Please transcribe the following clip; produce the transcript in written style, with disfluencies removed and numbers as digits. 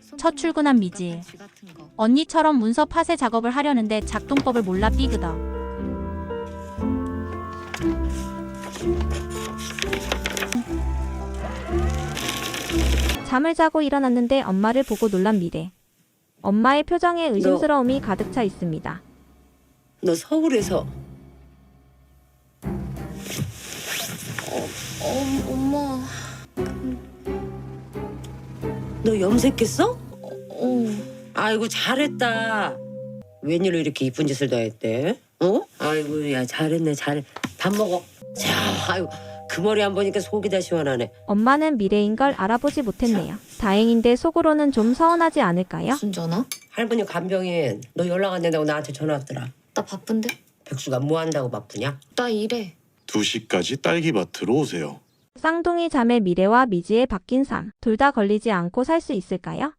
첫 출근한 미지. 언니처럼 문서 파쇄 작업을 하려는데 작동법을 몰라 삐그덕. 잠을 자고 일어났는데 엄마를 보고 놀란 미래. 엄마의 표정에 의심스러움이 가득 차 있습니다. 너 서울에서 엄마. 너 염색했어? 아이고 잘했다. 웬일로 이렇게 이쁜 짓을 다 했대? 어? 아이고 야 잘했네 잘해. 밥 먹어. 자 아이고 그 머리 안 보니까 속이 다 시원하네. 엄마는 미래인 걸 알아보지 못했네요. 다행인데 속으로는 좀 서운하지 않을까요? 무슨 전화? 할머니 간병인 너 연락 안 된다고 나한테 전화 왔더라. 나 바쁜데? 백수가 뭐 한다고 바쁘냐? 나 일해. 2시까지 딸기밭으로 오세요. 쌍둥이 자매 미래와 미지의 바뀐 삶. 둘 다 걸리지 않고 살 수 있을까요?